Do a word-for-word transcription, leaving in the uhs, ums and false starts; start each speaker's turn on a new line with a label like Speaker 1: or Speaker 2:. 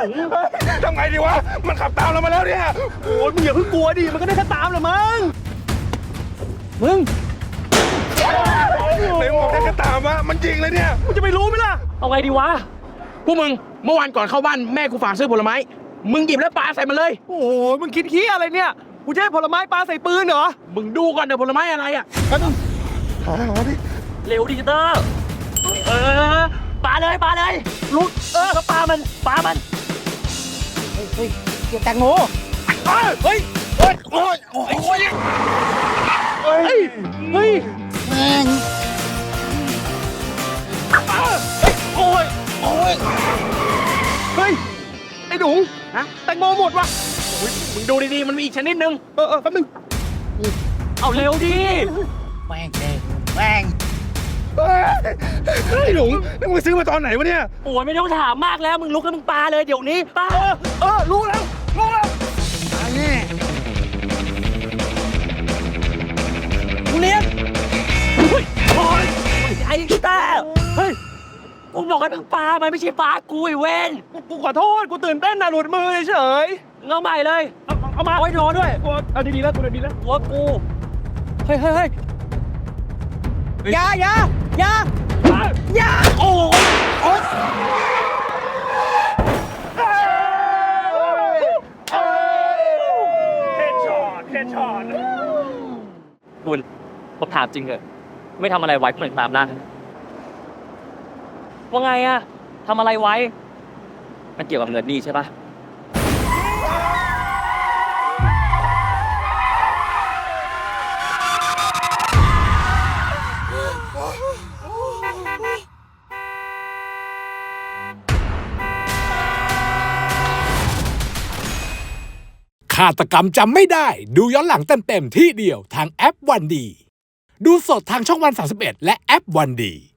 Speaker 1: ทำไงดีวะมันขับตามเรามาแล้วเนี่ยโอ้ยมึงอย่าเพิ่งกลัวดิมันก็ได้แค่ตามแหละมึงมึงไหนบอกได้แค่ตามวะมันจริงเลยเนี่ยมึงจะไปรู้ไหมล่ะเอาไงดีวะพวกมึงเมื่อวานก่อนเข้าบ้านแม่กูฝากซื้อผลไม้มึงหยิบแล้วปาใส่มันเลยโอ้โหมึงคิดขี้อะไรเนี่ยกูจะให้ผลไม้ปาใส่ปืนเหรอมึงดูก่อนเดี๋ยวผลไม้อะไรอ่ะหาหาดิเร็วดิจิเตอร์เออปาเลยปาเลยลุกเออก็ปามันปามันเฮ้ยเฮ้ยเกี่ยวแตงโมเฮ้ยเฮ้ยโอ้ยโอ้ยโอ้ยเฮ้ยเฮ้ยแม่งโอ้ยโอ้ยเฮ้ยไอ้หนูฮะแตงโมหมดวะมึงดูดีๆมันมีอีกชนิดนึงเออเออแป๊บนึงเอาเร็วดิแม่งแม่งไอ้หนูนี่มึงซื้อมาตอนไหนวะเนี่ยโอ้ยไม่ต้องถามมากแล้วมึงลุกแล้วมึงปาเลยเดี๋ยวนี้ปาเออเออรู้แล้วรู้แล้วอันนี้กูเลี้ยงโอ้ยไอ้กีตาร์เฮ้ยกูบอกให้มึงปามันไม่ใช่ปากูไอ้เว้นกูขอโทษกูตื่นเต้นนะหลุดมือเฉยเงาใหม่เลยเอาเอามาไว้นอนด้วยเอาดีๆแล้วกูดีๆแล้วหัวกูเฮ้ยเฮ้ยเฮ้ยอย่าอย่าอย่าอย่าโอ้ยโอ้ยเฮดช็อตเฮดช็อตคุณผมถามจริงเหรอไม่ทำอะไรไว้เพื่อนตามหน้าว่าไงอะทำอะไรไว้มันเกี่ยวกับเงินนี่ใช่ปะ
Speaker 2: ฆาตกรรมจำไม่ได้ดูย้อนหลังเต็มๆที่เดียวทางแอปวันดีดูสดทางช่องวันสามสิบเอ็ดและแอปวันดี